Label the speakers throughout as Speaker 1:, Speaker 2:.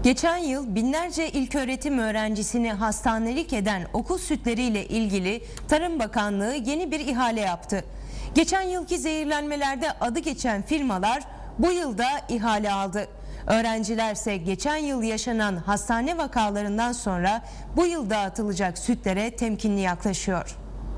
Speaker 1: Geçen yıl binlerce ilköğretim öğrencisini hastanelik eden okul sütleriyle ilgili Tarım Bakanlığı yeni bir ihale yaptı. Geçen yılki zehirlenmelerde adı geçen firmalar bu yılda ihale aldı. Öğrencilerse geçen yıl yaşanan hastane vakalarından sonra bu yıl dağıtılacak sütlere temkinli yaklaşıyor.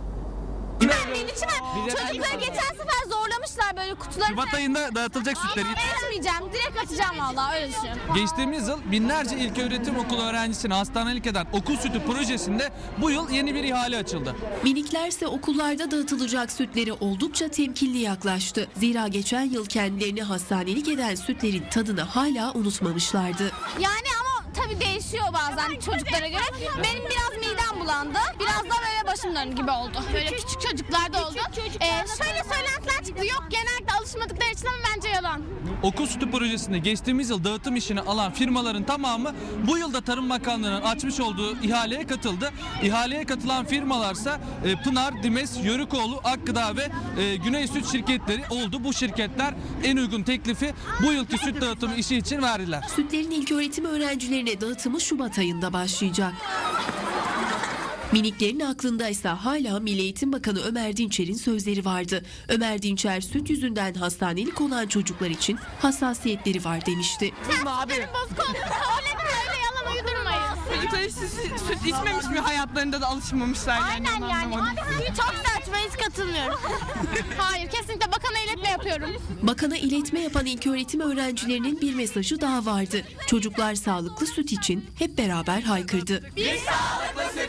Speaker 2: Çocukları geçen sefer zorlamışlar böyle kutuları.
Speaker 3: Şubat ayında dağıtılacak sütleri.
Speaker 2: Etmeyeceğim, direkt atacağım vallahi, öyle düşünüyorum.
Speaker 3: Geçtiğimiz yıl binlerce ilköğretim okulu öğrencisini hastanelik eden okul sütü projesinde bu yıl yeni bir ihale açıldı.
Speaker 4: Miniklerse okullarda dağıtılacak sütleri oldukça temkinli yaklaştı. Zira geçen yıl kendilerini hastanelik eden sütlerin tadını hala unutmamışlardı.
Speaker 2: Yani ama tabii değişiyor bazen çocuklara göre. Benim biraz midem bulandı. Biraz da böyle başım döndü gibi oldu. Böyle küçük çocuklarda oldu. Şöyle söylentiler çıktı. Yok, genellikle alışmadıkları için, ama bence yalan.
Speaker 3: Okul sütü projesinde geçtiğimiz yıl dağıtım işini alan firmaların tamamı bu yılda Tarım Bakanlığı'nın açmış olduğu ihaleye katıldı. İhaleye katılan firmalarsa Pınar, Dimes, Yörükoğlu, Akgıda ve Güney Süt şirketleri oldu. Bu şirketler en uygun teklifi bu yılki süt dağıtımı işi için verdiler.
Speaker 4: Sütlerin ilköğretim öğrencilerine dağıtımı Şubat ayında başlayacak. Miniklerin aklındaysa hala Milli Eğitim Bakanı Ömer Dinçer'in sözleri vardı. Ömer Dinçer süt yüzünden hastanelik olan çocuklar için hassasiyetleri var demişti.
Speaker 2: Benim bozuk oldu. Söyledim, öyle yalan uydurmayın.
Speaker 5: Çocuklar hiç süt içmemiş mi, hayatlarında da alışmamışlar yani.
Speaker 2: Aynen yani. Çok saçma, hiç katılmıyorum. Hayır, kesinlikle bakana iletme yapıyorum.
Speaker 4: Bakana iletme yapan ilköğretim öğrencilerinin bir mesajı daha vardı. Çocuklar sağlıklı süt için hep beraber haykırdı.
Speaker 5: Biz sağlıklı süt